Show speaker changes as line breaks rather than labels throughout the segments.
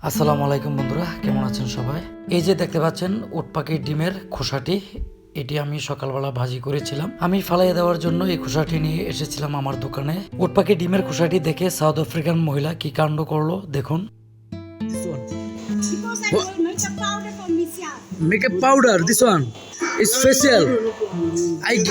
আসসালামু আলাইকুম বন্ধুরা, কেমন আছেন সবাই? এই যে দেখতে পাচ্ছেন উট পাখির ডিমের খোসাটি, এটি আমি সকালবেলা ভাজি করেছিলাম। আমি ফালাইয়ে দেওয়ার জন্য এই খোসাটি নিয়ে এসেছিলাম আমার দোকানে। উট পাখির ডিমের খোসাটি দেখে সাউথ আফ্রিকান মহিলা কি কাণ্ড করলো দেখুন।
Because I will make a powder for Misha.
Makeup powder, this one is facial.
Yes,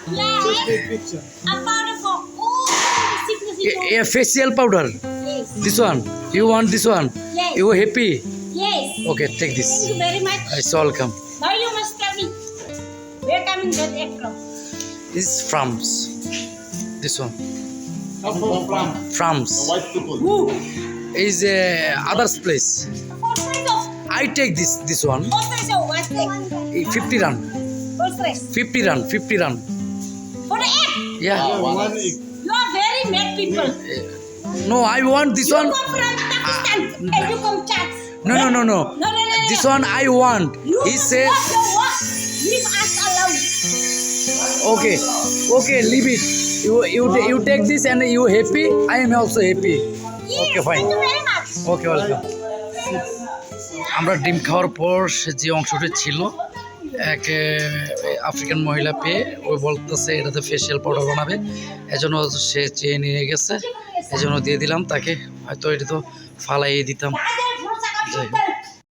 a powder for all sickness.
Facial powder.
Yes.
This one. You want this one?
Yes.
You happy?
Yes.
Okay, take this.
Thank you very much.
It's welcome.
Now you must tell me. Where coming that egg from?
This is France. This one.
From
France.
white people.
Who?
Is others place.
What price of?
I take this one.
What price of what egg?
50 rand.
What price?
50 rand. 50 rand.
For the egg.
Yeah.
One egg.
You are very mad people.
No, I want this
You
one.
come from Pakistan and you come tax.
No.
No.
This one I want.
You
He
must
says,
walk your walk. Leave us alone.
okay, leave it. You take this and you happy. I am also happy.
Yes,
Okay, fine.
thank you very much.
Okay, welcome. আমরা ডিম খাওয়ার পর যে অংশটি ছিল এক African মহিলা পেয়ে ওই বলতেছে এটাতে ফেসিয়াল পাউডার বানাবে, এজন্য সে চেয়ে নিয়ে গেছে, এজন্য দিয়ে দিলাম তাকে। হয়তো এটা তো ফালাইয়ে দিতাম। যাই হোক।